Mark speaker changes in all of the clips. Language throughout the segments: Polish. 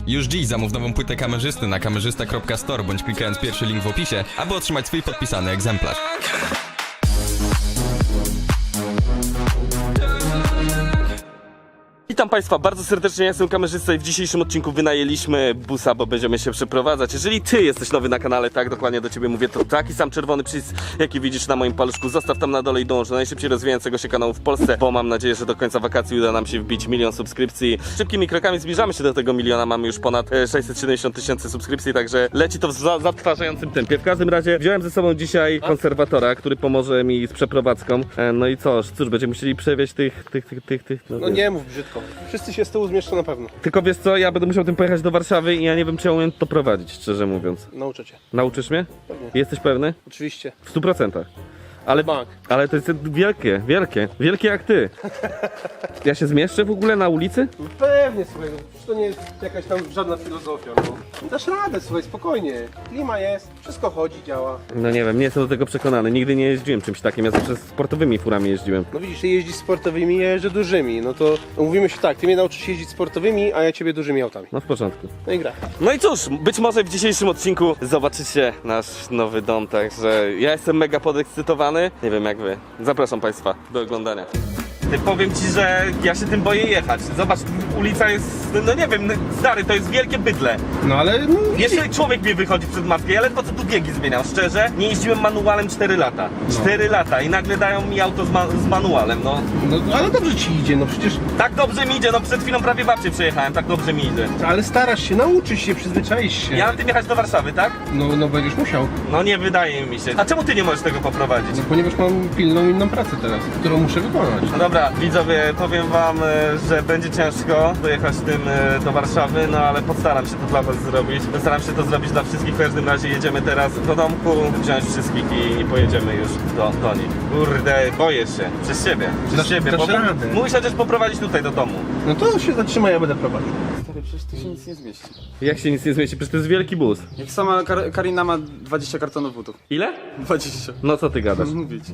Speaker 1: Już dziś zamów nową płytę kamerzysty na kamerzysta.store bądź klikając pierwszy link w opisie, aby otrzymać swój podpisany egzemplarz.
Speaker 2: Witam Państwa bardzo serdecznie, ja jestem kamerzysta i w dzisiejszym odcinku wynajęliśmy busa, bo będziemy się przeprowadzać. Jeżeli Ty jesteś nowy na kanale, tak dokładnie do Ciebie mówię, to taki sam czerwony przycisk, jaki widzisz na moim paluszku, zostaw tam na dole i dąż do najszybciej rozwijającego się kanału w Polsce, bo mam nadzieję, że do końca wakacji uda nam się wbić 1 000 000 subskrypcji. Szybkimi krokami zbliżamy się do tego 1 000 000, mamy już ponad 670 000 subskrypcji, także leci to w zatrważającym tempie. W każdym razie wziąłem ze sobą dzisiaj konserwatora, który pomoże mi z przeprowadzką. No i cóż, będziemy musieli przewieźć tych.
Speaker 3: No nie mów brzydko. Wszyscy się z tyłu zmieszczą na pewno.
Speaker 2: Tylko wiesz co, ja będę musiał tym pojechać do Warszawy i ja nie wiem, czy ja umiem to prowadzić, szczerze mówiąc.
Speaker 3: Nauczę cię.
Speaker 2: Nauczysz mnie?
Speaker 3: Pewnie.
Speaker 2: Jesteś pewny?
Speaker 3: Oczywiście.
Speaker 2: W 100%.
Speaker 3: Bank.
Speaker 2: Ale to jest wielkie jak ty. Ja się zmieszczę w ogóle na ulicy?
Speaker 3: No pewnie, słuchaj, no, przecież to nie jest jakaś tam żadna filozofia, no. Dasz radę, słuchaj, spokojnie. Klima jest, wszystko chodzi, działa.
Speaker 2: No nie wiem, nie jestem do tego przekonany. Nigdy nie jeździłem czymś takim, ja zawsze sportowymi furami jeździłem.
Speaker 3: No widzisz, ty jeździsz sportowymi, ja jeżdżę dużymi. No to mówimy się tak, ty mnie nauczysz jeździć sportowymi, a ja ciebie dużymi autami.
Speaker 2: No w porządku.
Speaker 3: No i gra.
Speaker 2: No i cóż, być może w dzisiejszym odcinku zobaczycie nasz nowy dom, także ja jestem mega podekscytowany. Nie wiem jak wy. Zapraszam Państwa do oglądania. Powiem Ci, że ja się tym boję jechać. Zobacz, ulica jest, no nie wiem, stary, to jest wielkie bydlę.
Speaker 3: No ale... No,
Speaker 2: Jeszcze człowiek mnie wychodzi przed maskę, ja ledwo co tu biegi zmieniam, szczerze. Nie jeździłem manualem 4 lata. 4 lata i nagle dają mi auto z manualem, no.
Speaker 3: no ale dobrze ci idzie, no przecież...
Speaker 2: Tak dobrze mi idzie, no przed chwilą prawie babcię przejechałem, tak dobrze mi idzie.
Speaker 3: Ale starasz się, nauczysz się, przyzwyczaisz się.
Speaker 2: Ja mam tym jechać do Warszawy, tak?
Speaker 3: No będziesz musiał.
Speaker 2: No nie wydaje mi się. A czemu Ty nie możesz tego poprowadzić?
Speaker 3: No ponieważ mam pilną inną pracę teraz, którą muszę wykonać.
Speaker 2: No dobra, widzowie, powiem wam, że będzie ciężko dojechać tym do Warszawy, no ale postaram się to dla was zrobić. Postaram się to zrobić dla wszystkich. W każdym razie jedziemy teraz do domku, wziąć wszystkich i pojedziemy już do nich. Kurde, boję się. Przez siebie. Przez siebie, bo
Speaker 3: radę.
Speaker 2: mógł chociaż poprowadzić tutaj do domu.
Speaker 3: No to się zatrzyma, ja będę prowadził.
Speaker 4: Stary, przecież tu się nic nie zmieści.
Speaker 2: Jak się nic nie zmieści? Przecież to jest wielki bus.
Speaker 4: Jak sama Karina ma 20 kartonów butów.
Speaker 2: Ile?
Speaker 4: 20.
Speaker 2: No co ty gadasz?
Speaker 4: Mówić.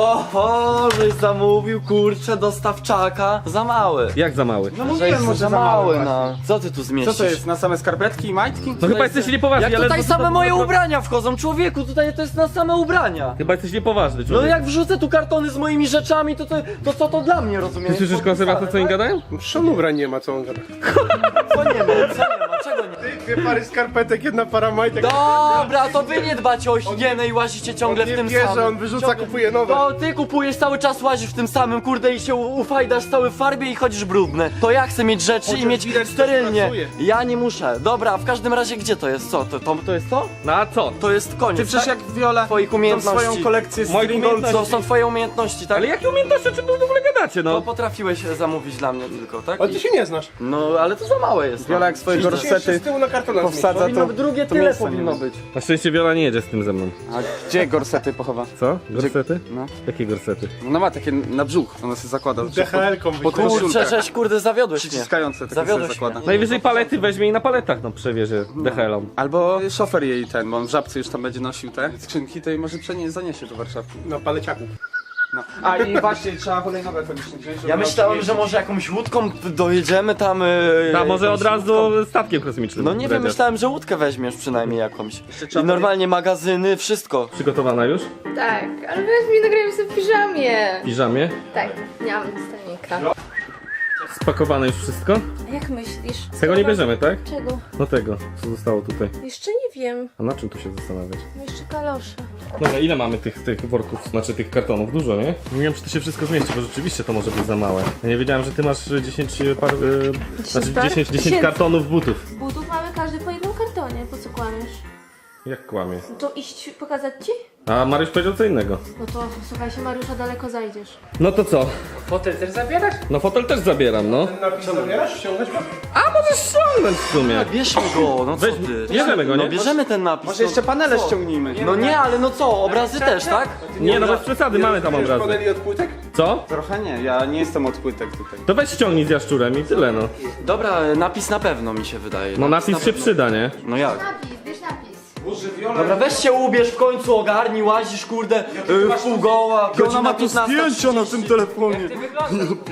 Speaker 5: Oho, żeś zamówił, kurczę, dostawczaka. Za mały.
Speaker 2: Jak za mały?
Speaker 4: No
Speaker 5: Żeś
Speaker 4: mówiłem, może
Speaker 5: za mały, no. Co ty tu
Speaker 4: Co
Speaker 5: zmieścisz?
Speaker 4: to jest, na same skarpetki i majtki?
Speaker 2: No chyba jesteś niepoważny,
Speaker 5: Jak
Speaker 2: ale...
Speaker 5: tutaj same moje ubrania wchodzą, człowieku, tutaj to jest na same ubrania.
Speaker 2: Chyba jesteś niepoważny,
Speaker 5: No
Speaker 2: człowiek.
Speaker 5: jak wrzucę tu kartony z moimi rzeczami, to co to dla mnie, rozumiesz?
Speaker 2: Ty słyszysz konserwator, co oni gadają?
Speaker 3: Przecież ubrań nie ma, co on gada.
Speaker 5: Co nie ma, czego nie?
Speaker 3: 2 pary skarpetek, 1 para majtek.
Speaker 5: Dobra, to wy nie dbacie o higienę i łazicie ciągle
Speaker 3: On
Speaker 5: w
Speaker 3: nie
Speaker 5: tym
Speaker 3: bierze,
Speaker 5: samym.
Speaker 3: on wyrzuca,
Speaker 5: Ciągle-
Speaker 3: kupuje nowe.
Speaker 5: To ty kupujesz cały czas, łazisz w tym samym, kurde, i się ufajdasz cały w farbie i chodzisz brudny. To ja chcę mieć rzeczy
Speaker 3: Chociaż
Speaker 5: i mieć
Speaker 3: widać, że
Speaker 5: sterylnie.
Speaker 3: pracuje.
Speaker 5: Ja nie muszę. Dobra, w każdym razie gdzie to jest? Co? To jest to?
Speaker 2: No a co?
Speaker 5: To jest koniec.
Speaker 4: Ty przecież
Speaker 5: tak?
Speaker 4: jak Viola
Speaker 5: Twoich
Speaker 4: tą
Speaker 5: umiejętności.
Speaker 4: swoją kolekcję
Speaker 2: Moich
Speaker 4: stringolców.
Speaker 2: umiejętności.
Speaker 5: To są twoje umiejętności, tak?
Speaker 2: Ale jakie umiejętności, o czym wy w ogóle gadacie,
Speaker 5: To
Speaker 2: no?
Speaker 5: potrafiłeś zamówić dla mnie tylko, tak?
Speaker 3: Ale ty się nie znasz.
Speaker 5: No, ale to za małe jest.
Speaker 4: Wiola jak swoje
Speaker 3: Przecież się
Speaker 4: gorsety
Speaker 3: z tyłu na kartonach
Speaker 4: powsadza,
Speaker 5: Powinno
Speaker 4: to...
Speaker 5: być drugie
Speaker 4: to
Speaker 5: tyle
Speaker 4: miejsca nie
Speaker 5: powinno
Speaker 4: ma.
Speaker 5: być.
Speaker 2: Na szczęście Wiola nie jedzie z tym ze mną.
Speaker 4: A gdzie gorsety pochowa?
Speaker 2: Co? Gorsety?
Speaker 4: No.
Speaker 2: Jakie gorsety?
Speaker 4: No ma takie na brzuch, ona sobie zakłada.
Speaker 3: DHL-ką
Speaker 4: Pod
Speaker 5: Kurczę,
Speaker 4: koszulkę.
Speaker 5: żeś kurde zawiodłeś mnie.
Speaker 4: Przyciskające, takie sobie
Speaker 5: Zawiodłeś
Speaker 4: zakłada.
Speaker 5: mnie.
Speaker 2: Najwyżej palety weźmie i na paletach no przewiezie DHL-om.
Speaker 4: Albo szofer jej ten, bo on w Żabce już tam będzie nosił te skrzynki, to jej może zaniesie do Warszawy.
Speaker 3: na paleciaku.
Speaker 4: No. A i właśnie trzeba hulajnogę koniecznie wziąć, żeby
Speaker 5: Ja
Speaker 4: ona
Speaker 5: myślałem,
Speaker 4: jeździć.
Speaker 5: że może jakąś łódką dojedziemy tam.
Speaker 2: A może
Speaker 5: jakąś
Speaker 2: od razu
Speaker 5: łódką.
Speaker 2: statkiem kosmicznym.
Speaker 5: No nie wiem,
Speaker 2: Dredziarz.
Speaker 5: myślałem, że łódkę weźmiesz przynajmniej jakąś.
Speaker 4: trzeba
Speaker 5: I normalnie magazyny, wszystko.
Speaker 2: Przygotowana już?
Speaker 6: Tak, ale weź mi nagrajmy sobie w piżamie.
Speaker 2: W piżamie?
Speaker 6: Tak, nie mam stanika.
Speaker 2: Spakowane już wszystko?
Speaker 6: A jak myślisz?
Speaker 2: Tego nie bierzemy, tak?
Speaker 6: Czego?
Speaker 2: No tego, co zostało tutaj.
Speaker 6: Jeszcze nie wiem.
Speaker 2: A na czym tu się zastanawiać?
Speaker 6: No jeszcze kalosze.
Speaker 2: Dobra, ile mamy tych worków, znaczy tych kartonów? Dużo, nie? Nie wiem, czy to się wszystko zmieści, bo rzeczywiście to może być za małe. Ja nie wiedziałem, że ty masz 10 par... znaczy
Speaker 6: par?
Speaker 2: 10
Speaker 6: 10.
Speaker 2: kartonów butów.
Speaker 6: Butów mamy każdy po jednym kartonie, po co kłamiesz?
Speaker 2: Jak kłamie?
Speaker 6: No to iść pokazać ci?
Speaker 2: A Mariusz powiedział co innego.
Speaker 6: No to słuchaj się Mariusza, daleko zajdziesz.
Speaker 2: No to co?
Speaker 3: Fotel też zabierasz?
Speaker 2: No fotel też zabieram, no.
Speaker 3: Napis zabierasz? Ściągać go?
Speaker 2: A możesz ściągnąć w sumie.
Speaker 5: Bierzmy go, no co
Speaker 2: Weź,
Speaker 5: ty?
Speaker 2: bierzemy go, nie?
Speaker 5: No bierzemy ten napis.
Speaker 4: Może jeszcze panele
Speaker 5: co?
Speaker 4: ściągnijmy.
Speaker 5: No nie, ale no co, obrazy też, tak?
Speaker 2: Nie, no bez przesady, mamy tam obrazy.
Speaker 3: Paneli od płytek?
Speaker 2: Co?
Speaker 4: Trochę nie, ja nie jestem od płytek tutaj.
Speaker 2: To weź ściągnij z jaszczurem i tyle, no.
Speaker 5: Dobra, napis na pewno mi się wydaje.
Speaker 2: No napis się
Speaker 5: pewno.
Speaker 2: przyda, nie?
Speaker 5: No jak?
Speaker 6: Napis, bierz napis.
Speaker 5: Dobra, weź się ubierz w końcu, ogarnij, łazisz, kurde, w pół goła.
Speaker 4: Ona ma tu zdjęcia na tym telefonie.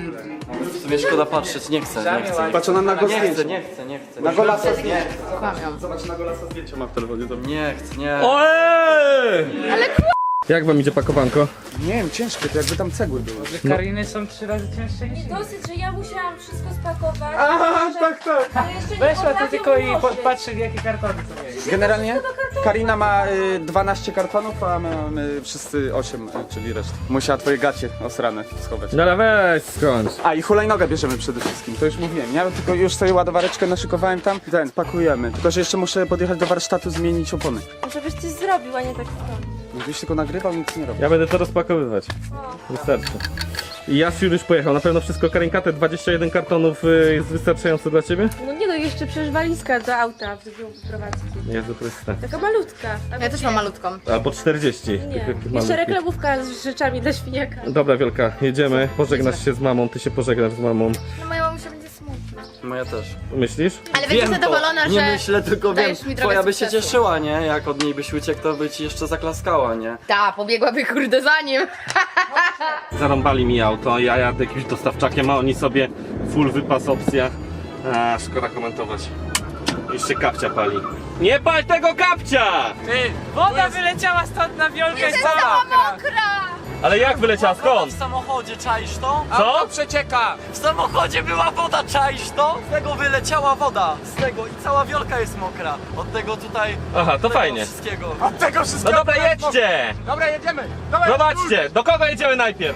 Speaker 5: W sumie szkoda patrzeć, nie chcę.
Speaker 4: Patrz, ona na go zdjęcie.
Speaker 5: Nie chcę.
Speaker 4: Na golasa zdjęcie.
Speaker 6: Kłamią.
Speaker 4: Zobacz, na golasa zdjęcie ma w telefonie.
Speaker 5: Nie chcę, nie.
Speaker 2: Ojej! Jak wam idzie pakowanko?
Speaker 4: Nie wiem, ciężkie, to jakby tam cegły były.
Speaker 7: Kariny są 3 razy cięższe niż
Speaker 6: Dosyć, że ja musiałam wszystko spakować.
Speaker 4: Aha, tak.
Speaker 6: Ale jeszcze nie
Speaker 7: Weszła to
Speaker 6: potrafię
Speaker 7: tylko i
Speaker 6: ułożyć.
Speaker 7: patrzy jakie kartony są jej.
Speaker 4: Generalnie Karina ma 12 kartonów, a my mamy wszyscy 8, czyli resztę. Musiała twoje gacie osrane schować.
Speaker 2: No ale weź skądś.
Speaker 4: A i hulajnogę bierzemy przede wszystkim, to już mówiłem. Ja tylko już sobie ładowareczkę naszykowałem tam i pakujemy. Tylko, że jeszcze muszę podjechać do warsztatu, zmienić opony.
Speaker 6: Żebyś coś zrobił, a nie tak stąd.
Speaker 4: Gdybyś tylko nagrywał, nic nie robił.
Speaker 2: Ja będę to rozpakowywać. Wystarczy. I Jasiu już pojechał. Na pewno wszystko, Karinka, te 21 kartonów jest wystarczające dla ciebie?
Speaker 6: No nie no, jeszcze przecież walizka do auta w drugą wyprowadzki.
Speaker 2: Jezu Chryste.
Speaker 6: Taka malutka.
Speaker 8: Ja też mam malutką.
Speaker 2: Albo 40.
Speaker 6: Nie,
Speaker 2: Takich
Speaker 6: jeszcze
Speaker 2: malutkich.
Speaker 6: reklamówka z rzeczami dla świniaka.
Speaker 2: Dobra, Wielka, jedziemy. Pożegnasz się z mamą, ty się pożegnasz z mamą.
Speaker 8: No moja mamusia będzie smutna.
Speaker 5: Moja też.
Speaker 2: Myślisz?
Speaker 8: Ale będzie
Speaker 5: Wiem
Speaker 8: zadowolona,
Speaker 5: to.
Speaker 8: że...
Speaker 5: Nie myślę, tylko wiem.
Speaker 8: dajesz mi drogę
Speaker 5: Twoja by się
Speaker 8: sukcesu.
Speaker 5: cieszyła, nie? Jak od niej byś uciekł, to by ci jeszcze zaklaskała, nie?
Speaker 8: Ta, pobiegłaby kurde za nim.
Speaker 2: Zarąbali mi auto, ja jadę jakimś dostawczakiem, a oni sobie full wypas opcja. A, szkoda komentować. Jeszcze kapcia pali. Nie pal tego kapcia!
Speaker 7: Woda wyleciała stąd na wiolkę cała.
Speaker 2: Ale jak wyleciała, skąd?
Speaker 5: W samochodzie, czaisz to?
Speaker 2: Co?
Speaker 7: Przecieka.
Speaker 5: W samochodzie była woda, czaisz to? Z tego wyleciała woda, z tego i cała wiolka jest mokra. Od tego tutaj...
Speaker 2: Aha, to
Speaker 5: tego
Speaker 2: fajnie.
Speaker 5: wszystkiego.
Speaker 7: Od tego
Speaker 2: No
Speaker 7: wszystkiego.
Speaker 2: dobra, jedźcie!
Speaker 7: Dobra, jedziemy. Dawaj,
Speaker 2: Zobaczcie, do kogo jedziemy najpierw?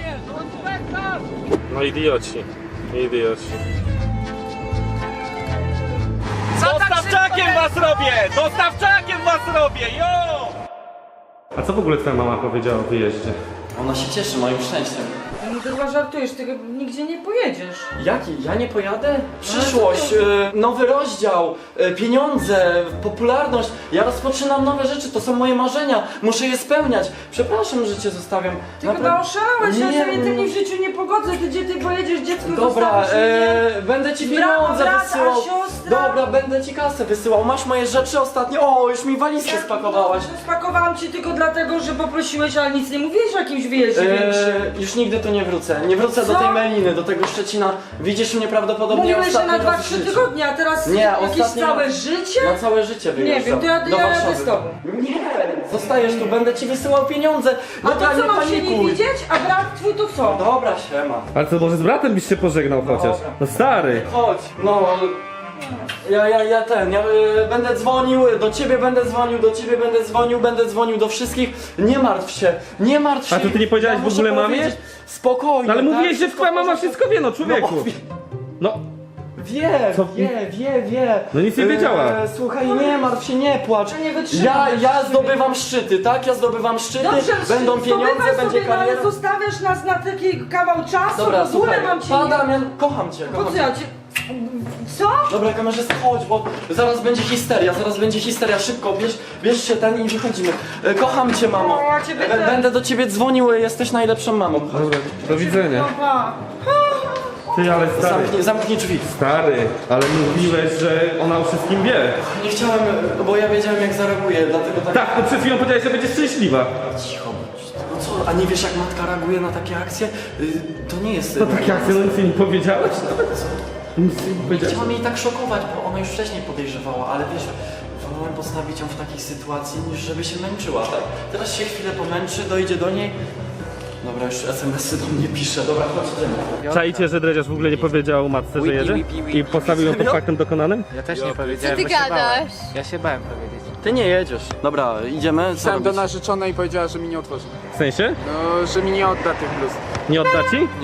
Speaker 2: No idioci, idioci. Dostawczakiem was robię! Dostawczakiem was robię, jo! A co w ogóle twoja mama powiedziała o wyjeździe?
Speaker 5: Ona się cieszy moim szczęściem.
Speaker 9: No to chyba żartujesz, ty nigdzie nie pojedziesz.
Speaker 5: Jaki? Ja nie pojadę? Przyszłość, nowy rozdział, pieniądze, popularność. Ja rozpoczynam nowe rzeczy, to są moje marzenia. Muszę je spełniać. Przepraszam, że cię zostawiam.
Speaker 9: Ty chyba oszalałeś, ja
Speaker 5: Nie,
Speaker 9: sobie tym w życiu nie pogodzę, ty gdzie ty pojedziesz, dziecko
Speaker 5: Dobra,
Speaker 9: zostawisz mnie.
Speaker 5: będę ci
Speaker 9: Brawo,
Speaker 5: pieniądze
Speaker 9: brat, a
Speaker 5: wysyłał.
Speaker 9: siostra?
Speaker 5: Dobra, będę ci kasę wysyłał. Masz moje rzeczy ostatnie. O, już mi walizkę spakowałaś.
Speaker 9: Spakowałam ci tylko dlatego, że poprosiłeś, ale nic nie mówiłeś o jakimś wyjeździe większym.
Speaker 5: Już nigdy tu nie wrócę. Nie wrócę do
Speaker 9: Co?
Speaker 5: tej Meliny, do tego Szczecina. Widzisz mnie prawdopodobnie
Speaker 9: Mówiłeś, że
Speaker 5: ostatni
Speaker 9: na
Speaker 5: raz w
Speaker 9: 2-3
Speaker 5: życiu.
Speaker 9: tygodnie, a teraz
Speaker 5: Nie,
Speaker 9: jakieś
Speaker 5: ostatni
Speaker 9: całe
Speaker 5: raz.
Speaker 9: życie?
Speaker 5: Na całe życie wyjeżdżam.
Speaker 9: Nie wiem, to ja
Speaker 5: do
Speaker 9: jadę
Speaker 5: Warszawy.
Speaker 9: z tobą.
Speaker 5: Nie, zostajesz tu, będę ci wysyłał pieniądze.
Speaker 9: A
Speaker 5: Dobra,
Speaker 9: to co, mam się nie
Speaker 5: panikuj.
Speaker 9: widzieć? A brat twój to co?
Speaker 5: Dobra, siema.
Speaker 2: Ale to może z bratem byś się pożegnał chociaż? No stary!
Speaker 5: Chodź, no. Ja będę dzwonił, do ciebie będę dzwonił, do ciebie będę dzwonił do wszystkich. Nie martw się, nie martw się.
Speaker 2: A to ty nie powiedziałeś w
Speaker 5: muszę
Speaker 2: ogóle mamie?
Speaker 5: powiedzieć, Spokojnie.
Speaker 2: No ale
Speaker 5: tak?
Speaker 2: mówiłeś, że
Speaker 5: Wszystko
Speaker 2: twoja
Speaker 5: w
Speaker 2: mama
Speaker 5: porządku.
Speaker 2: wszystko wie, no człowieku! No, Co?
Speaker 5: Wie.
Speaker 2: No nic nie wiedziała.
Speaker 5: Słuchaj, nie martw się, nie płacz.
Speaker 9: Ja nie wytrzymam
Speaker 5: Ja
Speaker 9: już.
Speaker 5: zdobywam szczyty, tak? Ja zdobywam szczyty,
Speaker 9: Dobrze,
Speaker 5: będą pieniądze,
Speaker 9: zdobywaj
Speaker 5: będzie
Speaker 9: sobie, no, ale
Speaker 5: kariera.
Speaker 9: zostawiasz nas na taki kawał czasu,
Speaker 5: Dobra,
Speaker 9: w ogóle
Speaker 5: słuchaj,
Speaker 9: mam cię nie...
Speaker 5: Damian, kocham cię,
Speaker 9: Po
Speaker 5: kocham
Speaker 9: co
Speaker 5: cię.
Speaker 9: ja cię... Co?
Speaker 5: Dobra, kamerzysta, chodź, bo zaraz będzie histeria, szybko, bierz się ten i wychodzimy. Kocham cię, mamo.
Speaker 9: O, ja ciebie też.
Speaker 5: Będę do ciebie dzwonił, jesteś najlepszą mamą. Chodź.
Speaker 2: dobra, do widzenia.
Speaker 9: Pa.
Speaker 2: Ty, ale stary,
Speaker 5: Zamknij drzwi.
Speaker 2: stary, ale mówiłeś, że ona o wszystkim wie.
Speaker 5: Nie chciałem, bo ja wiedziałem jak zareaguje, dlatego tak...
Speaker 2: Tak, to przed chwilą powiedziałeś, że będzie szczęśliwa.
Speaker 5: Cicho, no co, a nie wiesz jak matka reaguje na takie akcje? To nie jest...
Speaker 2: No tak jak ty no nic jej nie powiedziałeś? Nic jej nie
Speaker 5: Nie
Speaker 2: powiedziałeś.
Speaker 5: chciałam jej tak szokować, bo ona już wcześniej podejrzewała, ale wiesz, wolałem postawić ją w takiej sytuacji, niż żeby się męczyła, tak? Teraz się chwilę pomęczy, dojdzie do niej. Dobra, już SMS-y do mnie pisze, dobra, chodź, idziemy.
Speaker 2: Czajcie, że Dredziarz w ogóle nie powiedział matce, że jedzie? I postawił ją pod faktem dokonanym?
Speaker 7: Ja też nie powiedziałem,
Speaker 8: ty
Speaker 7: bo się bałem.
Speaker 8: gadasz?
Speaker 7: Ja się bałem powiedzieć.
Speaker 5: Ty nie jedziesz. Dobra, idziemy, co
Speaker 4: Pisałem do
Speaker 5: robić?
Speaker 4: narzeczonej i powiedziała, że mi nie otworzy.
Speaker 2: W sensie?
Speaker 4: No, że mi nie odda tych bluz.
Speaker 2: Nie odda ci?
Speaker 4: Nie.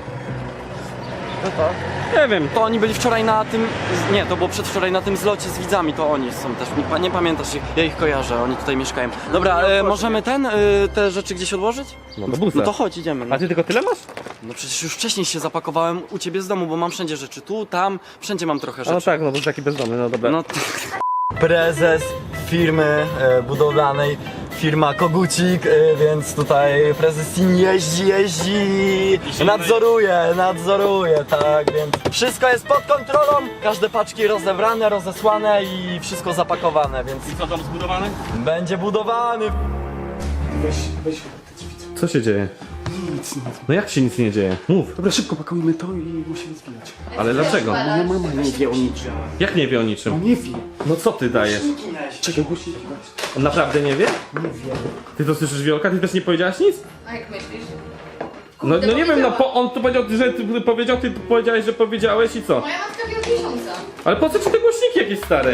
Speaker 2: Nie wiem.
Speaker 5: To oni byli wczoraj na tym, nie, to było przedwczoraj na tym zlocie z widzami, to oni są też, nie pamiętasz ich, ja ich kojarzę, oni tutaj mieszkają. Dobra, możemy te rzeczy gdzieś odłożyć?
Speaker 2: No do busa.
Speaker 5: No to chodź, idziemy. No.
Speaker 2: A ty tylko tyle masz?
Speaker 5: No przecież już wcześniej się zapakowałem u ciebie z domu, bo mam wszędzie rzeczy, tu, tam, wszędzie mam trochę
Speaker 2: A no
Speaker 5: rzeczy.
Speaker 2: tak, no to taki bezdomny, no dobra.
Speaker 5: No prezes firmy budowlanej, firma Kogucik, więc tutaj prezes Sin jeździ, nadzoruje, tak, więc wszystko jest pod kontrolą, każde paczki rozebrane, rozesłane i wszystko zapakowane, więc
Speaker 2: Co tam zbudowany?
Speaker 5: będzie budowany.
Speaker 2: Co się dzieje?
Speaker 4: Nic.
Speaker 2: No jak się nic nie dzieje? Mów.
Speaker 4: Dobra, szybko pakujmy to i musimy zbijać.
Speaker 2: Ale dlaczego?
Speaker 4: Moja mama nie wie o niczym.
Speaker 2: Jak nie wie o
Speaker 4: No
Speaker 2: niczym?
Speaker 4: nie wie.
Speaker 2: No co ty dajesz?
Speaker 4: Czekaj, głośniki weź.
Speaker 2: On naprawdę nie wie?
Speaker 4: Nie wie.
Speaker 2: Ty to słyszysz, Wiolka? Ty też nie powiedziałaś nic?
Speaker 8: A jak myślisz?
Speaker 2: No nie wiem, no
Speaker 8: powiedziała.
Speaker 2: on tu powiedział, że ty powiedział, ty powiedziałeś, że powiedziałeś i co?
Speaker 8: Moja matka wie od miesiąca.
Speaker 2: Ale po co ci te głośniki jakieś stare?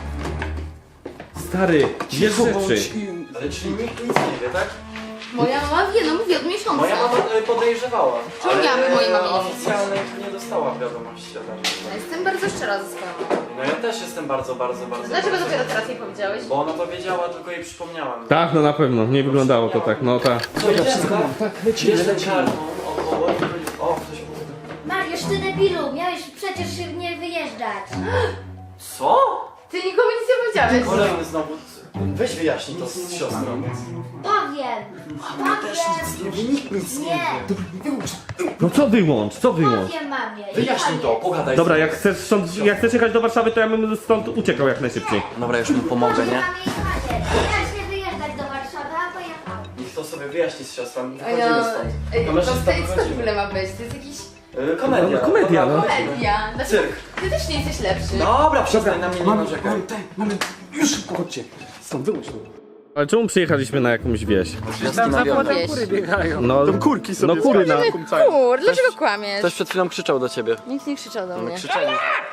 Speaker 2: Stary, wiesz rzeczy.
Speaker 5: Ale czyli nikt nic nie wie, tak?
Speaker 8: Moja mama wie, no mówi od miesiąca.
Speaker 5: Moja mama podejrzewała.
Speaker 8: Czemu miałaby mojej mamie nie
Speaker 5: oficjalnie nie dostała wiadomości ode mnie.
Speaker 8: Ja jestem bardzo szczera ze swoją mamą.
Speaker 5: No ja też jestem bardzo.
Speaker 8: Dlaczego dopiero teraz jej powiedziałeś?
Speaker 5: Bo ona powiedziała, tylko jej przypomniałem.
Speaker 2: Tak, no na pewno, nie wyglądało to tak, no tak.
Speaker 5: Co, wszystko mam. Tak, lecimy. Kartą około. O, ktoś mówi.
Speaker 10: Mariusz, ty debilu, miałeś przecież nie wyjeżdżać.
Speaker 5: Co?
Speaker 8: Ty nikomu nic nie powiedziałeś.
Speaker 5: Kolejny znowu. Weź wyjaśnij to z siostrą.
Speaker 10: Powiem.
Speaker 5: Też nic nie wie, nikt nic nie
Speaker 10: Nie,
Speaker 5: wie.
Speaker 2: No co wyłącz, co wyłącz?
Speaker 10: powiem mamie.
Speaker 5: Wyjaśnij to, pogadaj.
Speaker 2: Dobra, jak chcesz jechać do Warszawy, to ja bym stąd uciekał jak najszybciej.
Speaker 5: Dobra, już mu pomogę, nie?
Speaker 10: Mamie i Macie. Miałeś nie wyjeżdżać do Warszawy, a pojechał.
Speaker 5: Niech to sobie wyjaśni z siostrą.
Speaker 8: Ej,
Speaker 5: Wychodzimy
Speaker 8: no,
Speaker 5: stąd.
Speaker 8: ej, to
Speaker 5: Kamerzysta,
Speaker 8: wstyd, co w
Speaker 5: wychodzimy.
Speaker 8: ogóle ma być? To jest jakiś
Speaker 5: Komedia.
Speaker 2: No, komedia,
Speaker 5: Dobra,
Speaker 2: no.
Speaker 5: wychodzimy.
Speaker 8: media. Dlaczego?
Speaker 5: Cyrk.
Speaker 8: Ty też nie jesteś lepszy.
Speaker 5: Dobra, przestań na mnie nie
Speaker 4: Mamy,
Speaker 5: narzekaj.
Speaker 4: mamy, już szybko, chodźcie. Stąd, wyłącz to.
Speaker 2: Ale czemu przyjechaliśmy na jakąś wieś?
Speaker 5: Tam za
Speaker 8: Kury
Speaker 5: biegają.
Speaker 2: No kury na...
Speaker 8: Kur, dlaczego kłamiesz?
Speaker 5: Ktoś przed chwilą krzyczał do ciebie.
Speaker 8: Nikt nie krzyczał do mnie.
Speaker 5: Krzyczeli.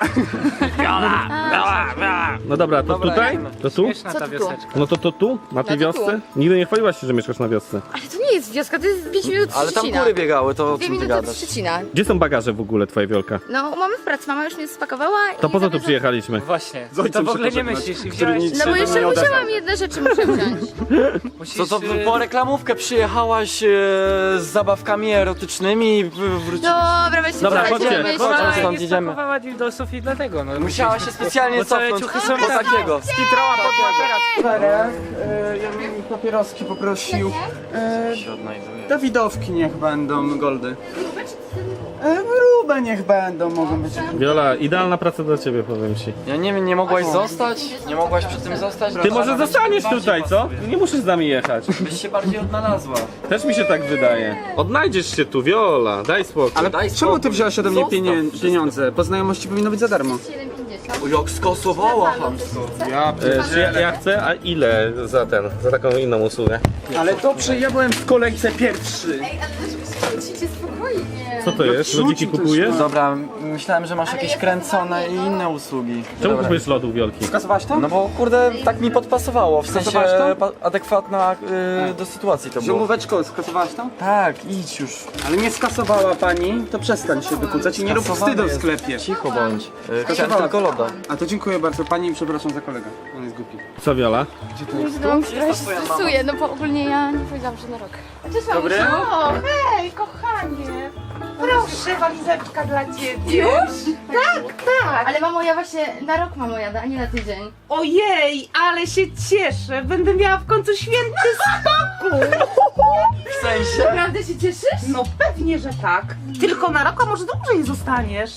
Speaker 2: No dobra, to tutaj? To tu?
Speaker 8: Co ty tu?
Speaker 2: No to tu? Na tej
Speaker 8: No to tu.
Speaker 2: wiosce? Nigdy nie chwaliłaś się, że mieszkasz na wiosce.
Speaker 8: Ale to nie jest wioska, to jest 5 minut
Speaker 5: Ale tam
Speaker 8: Szczecina.
Speaker 5: kury biegały, to o
Speaker 8: 2
Speaker 5: czym ty
Speaker 8: minuty od
Speaker 5: gadasz?
Speaker 8: Szczecina.
Speaker 2: Gdzie są bagaże w ogóle, twoja Wiolka?
Speaker 8: No, mamy w pracy, mama już mnie spakowała i
Speaker 2: To po co tu
Speaker 8: zabierze-
Speaker 2: przyjechaliśmy?
Speaker 7: Właśnie,
Speaker 4: Z ojcem
Speaker 7: to w ogóle
Speaker 4: się
Speaker 7: nie
Speaker 4: pożegnać,
Speaker 7: myślisz i
Speaker 4: który
Speaker 7: wziąłeś...
Speaker 4: nic
Speaker 8: No bo
Speaker 4: się
Speaker 8: jeszcze
Speaker 4: nie odezwał.
Speaker 8: musiałam jedne rzeczy muszę wziąć.
Speaker 7: Musisz,
Speaker 5: Co to po reklamówkę przyjechałaś z zabawkami erotycznymi i wróciłeś?
Speaker 8: Dobra, weźcie
Speaker 2: Dobra,
Speaker 8: słuchajcie,
Speaker 2: chodźcie,
Speaker 8: myślę.
Speaker 5: chodźcie.
Speaker 7: Mama
Speaker 5: stąd
Speaker 7: nie
Speaker 5: idziemy.
Speaker 7: spakowała dildosów i dlatego, no.
Speaker 5: Musiałaś się specjalnie
Speaker 7: Bo całe
Speaker 5: cofnąć
Speaker 7: ciuchy są
Speaker 5: po
Speaker 7: tam.
Speaker 5: takiego.
Speaker 7: Skitrała pod materac.
Speaker 4: Czterech, ja bym papieroski poprosił.
Speaker 5: się odnajduje.
Speaker 4: Dawidowki niech będą, goldy. Grube niech będą, mogą być.
Speaker 2: Wiola, idealna praca dla ciebie, powiem ci.
Speaker 5: Ja nie wiem, nie mogłaś zostać? Nie mogłaś przy tym zostać?
Speaker 2: Ty może
Speaker 5: Ona
Speaker 2: zostaniesz
Speaker 5: bardziej
Speaker 2: tutaj, co?
Speaker 5: pasuje.
Speaker 2: Nie musisz z nami jechać.
Speaker 5: Byś się bardziej odnalazła.
Speaker 2: Też mi się tak wydaje. Odnajdziesz się tu, Wiola, daj spokój.
Speaker 4: Ale
Speaker 5: Daj
Speaker 4: czemu
Speaker 5: spokój.
Speaker 4: ty wziąłeś ode mnie
Speaker 5: Zostaw
Speaker 4: pieniądze? Po znajomości powinno być za darmo.
Speaker 8: 7,50.
Speaker 5: O, jak skasowała hamsko.
Speaker 2: Czy ja chcę, a ile za taką inną usługę?
Speaker 4: Ale dobrze, ja byłem w kolejce pierwszy.
Speaker 8: Ej, ale dlaczego się spokojnie?
Speaker 2: Co to jest? Lodziki kupujesz?
Speaker 5: Dobra, myślałem, że masz jakieś kręcone i inne usługi.
Speaker 2: Czemu
Speaker 5: Dobra.
Speaker 2: kupujesz lodów, Wiolki?
Speaker 4: Skasowałaś to?
Speaker 5: No bo kurde, tak mi podpasowało, w sensie
Speaker 4: Skasowałaś to?
Speaker 5: adekwatna do sytuacji to było.
Speaker 4: Ziomóweczko, skasowałaś to?
Speaker 5: Tak, idź już.
Speaker 4: Ale nie skasowała pani, to przestań się dokucać i nie rób
Speaker 5: Skasowany
Speaker 4: wstydu w
Speaker 5: jest.
Speaker 4: sklepie.
Speaker 5: Cicho bądź. Chciałem
Speaker 4: Skasowała.
Speaker 5: tylko loda.
Speaker 4: A to dziękuję bardzo pani i przepraszam za kolegę. On jest głupi.
Speaker 2: Co, Wiola?
Speaker 8: No, trochę się stresuję, no bo ogólnie ja nie powiedziałam, że na rok. Cześć,
Speaker 4: Dobry.
Speaker 7: O, hej, kochanie. Proszę, walizeczka dla ciebie. Już? Tak.
Speaker 8: Ale mamo, ja właśnie na rok mamo jadę, a nie na tydzień.
Speaker 7: Ojej, ale się cieszę. Będę miała w końcu święty spokój.
Speaker 5: W sensie?
Speaker 8: Naprawdę się cieszysz?
Speaker 7: No pewnie, że tak. Tylko na rok, a może dłużej zostaniesz.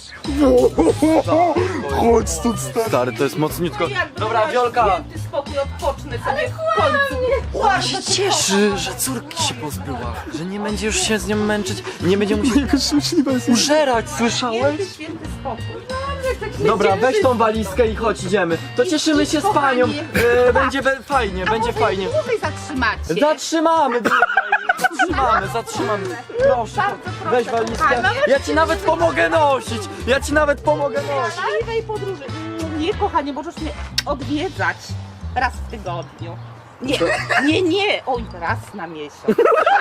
Speaker 4: Chodź stąd, stary.
Speaker 5: Stary, to jest mocniutko.
Speaker 7: Jakby
Speaker 5: Dobra,
Speaker 7: miała
Speaker 5: Wiolka.
Speaker 7: Święty spokój, odpocznę sobie w końcu.
Speaker 5: Ona się cieszy, że córki się pozbyła. Że nie będzie już się z nią męczyć. Nie będzie musiał użerać, słyszałeś?
Speaker 7: Święty spokój.
Speaker 5: Dobra, weź tą walizkę i chodź, idziemy. To cieszymy się z panią. Będzie fajnie, będzie fajnie.
Speaker 7: Tutaj zatrzymacie.
Speaker 5: Zatrzymamy, zatrzymamy. Proszę, weź walizkę. Ja ci nawet pomogę nosić.
Speaker 7: Miłej podróży. Nie, kochanie, możesz mnie odwiedzać raz w tygodniu. Nie, oj, raz na miesiąc.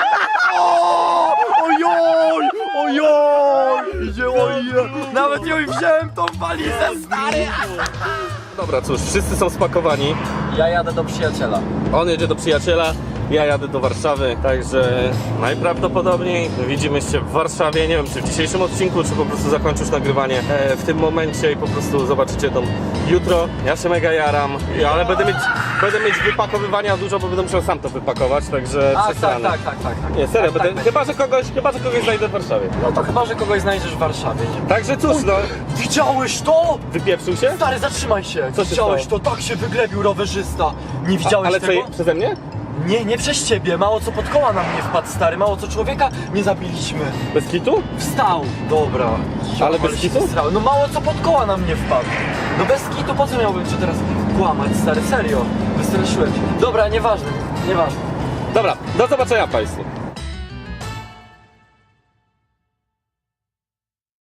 Speaker 5: Ojoj, idzie, ojej. Nawet ją wziąłem tą walizę, stary.
Speaker 2: Dobra, cóż, wszyscy są spakowani.
Speaker 5: Ja jadę do przyjaciela.
Speaker 2: On jedzie do przyjaciela, ja jadę do Warszawy, także najprawdopodobniej widzimy się w Warszawie. Nie wiem, czy w dzisiejszym odcinku, czy po prostu zakończysz nagrywanie w tym momencie i po prostu zobaczycie to jutro. Ja się mega jaram, ale będę mieć wypakowywania dużo, bo będę musiał sam to wypakować, także przesrane.
Speaker 5: Tak.
Speaker 2: Nie, serio, chyba, że kogoś znajdę w Warszawie.
Speaker 5: No to chyba, że kogoś znajdziesz w Warszawie.
Speaker 2: Także cóż, no,
Speaker 5: Widziałeś to?
Speaker 2: wypieprzył się?
Speaker 5: Stary, zatrzymaj się!
Speaker 2: Co się
Speaker 5: Widziałeś
Speaker 2: stało?
Speaker 5: to? Tak się wyglebił rowerzysta! Nie widziałeś
Speaker 2: Ale
Speaker 5: tego?
Speaker 2: co, przeze mnie?
Speaker 5: Nie przez ciebie, mało co pod koła na mnie wpadł, stary, mało co człowieka nie zabiliśmy.
Speaker 2: Bez kitu?
Speaker 5: Wstał! Dobra.
Speaker 2: Ale bez
Speaker 5: się
Speaker 2: kitu?
Speaker 5: wysrały. No mało co pod koła na mnie wpadł. No bez kitu, po co miałbym cię teraz kłamać, stary, serio? Wystraszyłem cię. Dobra, nieważne.
Speaker 2: Dobra, do zobaczenia państwu.